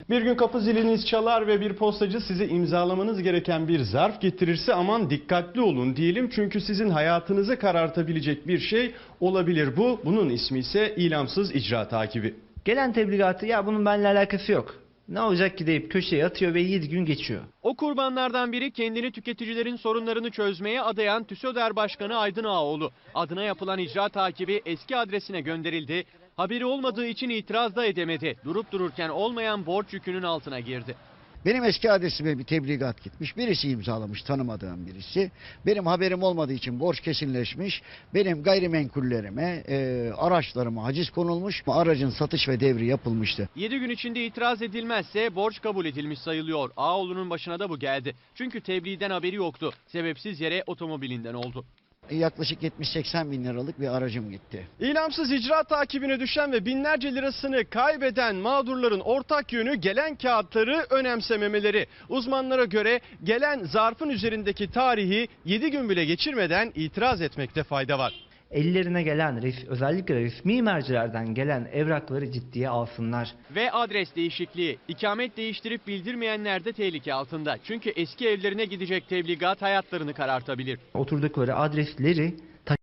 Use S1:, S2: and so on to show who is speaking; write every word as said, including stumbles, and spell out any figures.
S1: Bir gün kapı ziliniz çalar ve bir postacı size imzalamanız gereken bir zarf getirirse aman dikkatli olun diyelim. Çünkü sizin hayatınızı karartabilecek bir şey olabilir bu. Bunun ismi ise ilamsız icra takibi.
S2: Gelen tebligatı ya bunun benimle alakası yok, ne olacak ki deyip köşeye atıyor ve yedi gün geçiyor.
S3: O kurbanlardan biri kendini tüketicilerin sorunlarını çözmeye adayan TÜSÖDER Başkanı Aydın Ağaoğlu. Adına yapılan icra takibi eski adresine gönderildi. Haberi olmadığı için itiraz da edemedi. Durup dururken olmayan borç yükünün altına girdi.
S4: Benim eski adresime bir tebligat gitmiş. Birisi imzalamış, tanımadığım birisi. Benim haberim olmadığı için borç kesinleşmiş. Benim gayrimenkullerime, e, araçlarıma haciz konulmuş. Aracın satış ve devri yapılmıştı.
S3: yedi gün içinde itiraz edilmezse borç kabul edilmiş sayılıyor. Ağaoğlu'nun başına da bu geldi. Çünkü tebliğden haberi yoktu. Sebepsiz yere otomobilinden oldu.
S4: Yaklaşık yetmiş seksen bin liralık bir aracım gitti.
S1: İlamsız icra takibine düşen ve binlerce lirasını kaybeden mağdurların ortak yönü gelen kağıtları önemsememeleri. Uzmanlara göre gelen zarfın üzerindeki tarihi yedi gün bile geçirmeden itiraz etmekte fayda var.
S2: Ellerine gelen, özellikle resmi mercilerden gelen evrakları ciddiye alsınlar.
S3: Ve adres değişikliği. İkamet değiştirip bildirmeyenler de tehlike altında. Çünkü eski evlerine gidecek tebligat hayatlarını karartabilir.
S2: Oturdukları adresleri